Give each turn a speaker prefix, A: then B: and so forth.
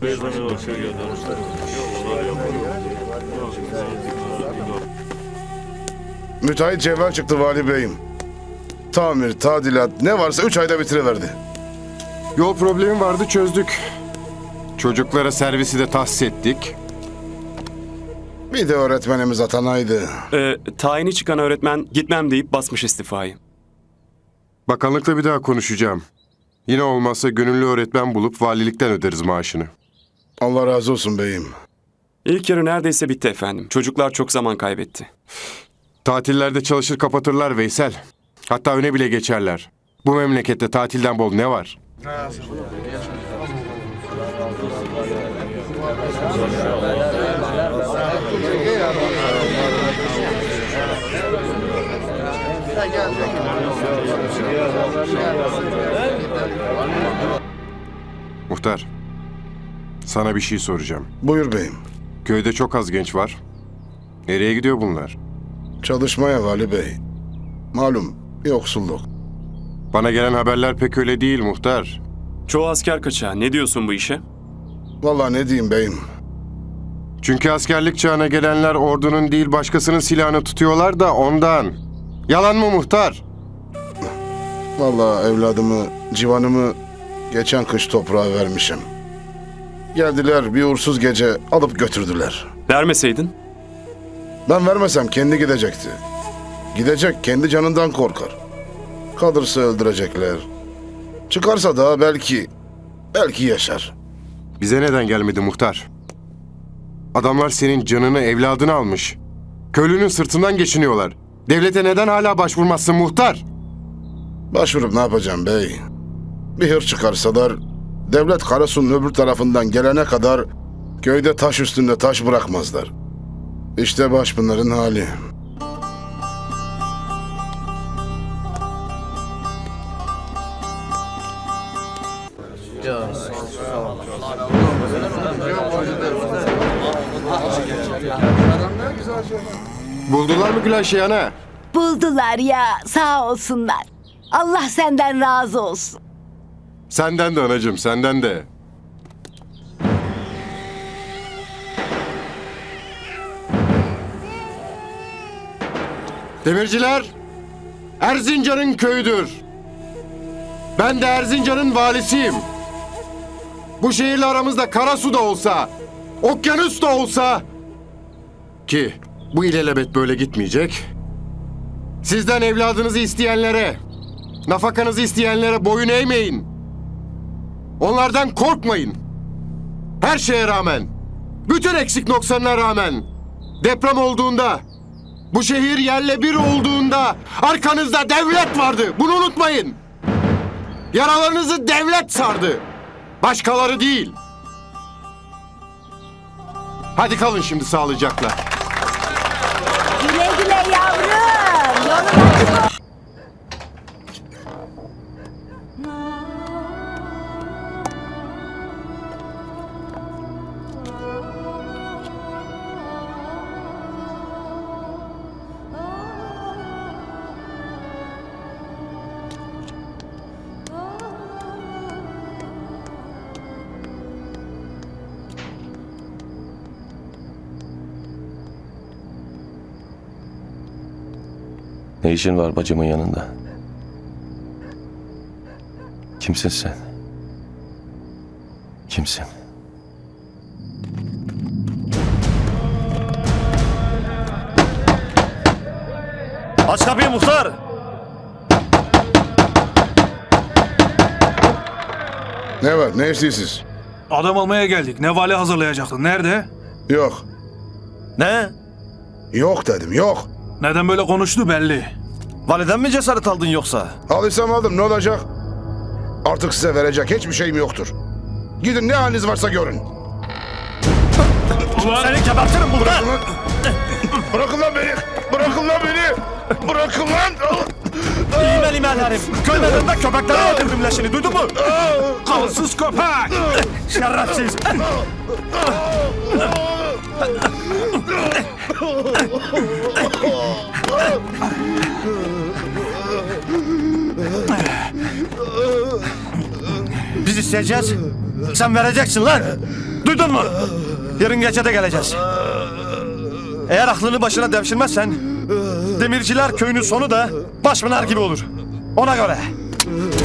A: Müteahhit cevher çıktı vali beyim. Tamir, tadilat ne varsa 3 ayda bitiriverdi.
B: Yol problemi vardı, çözdük. Çocuklara servisi de tahsis ettik.
A: Bir de öğretmenimiz atanaydı.
C: Tayini çıkan öğretmen gitmem deyip basmış istifayı.
B: Bakanlıkla bir daha konuşacağım. Yine olmazsa gönüllü öğretmen bulup valilikten öderiz maaşını.
A: Allah razı olsun beyim.
C: İlk yarı neredeyse bitti efendim. Çocuklar çok zaman kaybetti.
B: Tatillerde çalışır kapatırlar Veysel. Hatta öne bile geçerler. Bu memlekette tatilden bol ne var? Muhtar, sana bir şey soracağım.
A: Buyur beyim.
B: Köyde çok az genç var. Nereye gidiyor bunlar?
A: Çalışmaya vali bey. Malum yoksulluk.
B: Bana gelen haberler pek öyle değil muhtar.
C: Çoğu asker kaçağı. Ne diyorsun bu işe?
A: Vallahi ne diyeyim beyim.
B: Çünkü askerlik çağına gelenler ordunun değil başkasının silahını tutuyorlar da ondan. Yalan mı muhtar?
A: Vallahi evladımı, civanımı geçen kış toprağa vermişim. Geldiler bir uğursuz gece alıp götürdüler.
C: Vermeseydin?
A: Ben vermesem kendi gidecekti. Gidecek, kendi canından korkar. Kalırsa öldürecekler. Çıkarsa da belki yaşar.
B: Bize neden gelmedi muhtar? Adamlar senin canını, evladını almış. Köylünün sırtından geçiniyorlar. Devlete neden hala başvurmazsın muhtar?
A: Başvurup ne yapacağım bey? Bir hır çıkarsalar, devlet Karasu'nun öbür tarafından gelene kadar köyde taş üstünde taş bırakmazlar. İşte baş bunların hali.
B: Buldular mı Gülayşe ana?
D: Buldular ya, sağ olsunlar. Allah senden razı olsun.
B: Senden de anacığım, senden de. Demirciler, Erzincan'ın köyüdür. Ben de Erzincan'ın valisiyim. Bu şehirle aramızda Karasu da olsa, okyanus da olsa... Ki bu ilelebet böyle gitmeyecek. Sizden evladınızı isteyenlere, nafakanızı isteyenlere boyun eğmeyin. Onlardan korkmayın. Her şeye rağmen, bütün eksik noksanına rağmen, deprem olduğunda, bu şehir yerle bir olduğunda arkanızda devlet vardı. Bunu unutmayın. Yaralarınızı devlet sardı. Başkaları değil. Hadi kalın şimdi sağlıcakla.
D: Güle güle yavrum. Yolun açık olsun.
E: Ne işin var bacımın yanında? Kimsin sen? Kimsin?
F: Aç kapıyı muhtar!
A: Ne var, ne istiyorsunuz?
F: Adam almaya geldik. Ne vali hazırlayacaktın? Nerede?
A: Yok,
F: Ne?
A: yok dedim, yok.
F: Neden böyle konuştu belli. Validen mi cesaret aldın yoksa?
A: Alırsam aldım, ne olacak? Artık size verecek hiçbir şeyim yoktur. Gidin ne haliniz varsa görün.
F: Seni gebertirim muhtar!
A: Bırakın lan beni! Bırakın lan beni! Bırakın lan!
F: İğmel imel herif! Köylerinde köpeklere öldürdüm leşini, duydun mu? Kansız köpek! Şerefsiz! Biz isteyeceğiz. Sen vereceksin lan. Duydun mu? Yarın gece de geleceğiz. Eğer aklını başına devşirmezsen Demirciler köyünün sonu da Başpınar gibi olur. Ona göre.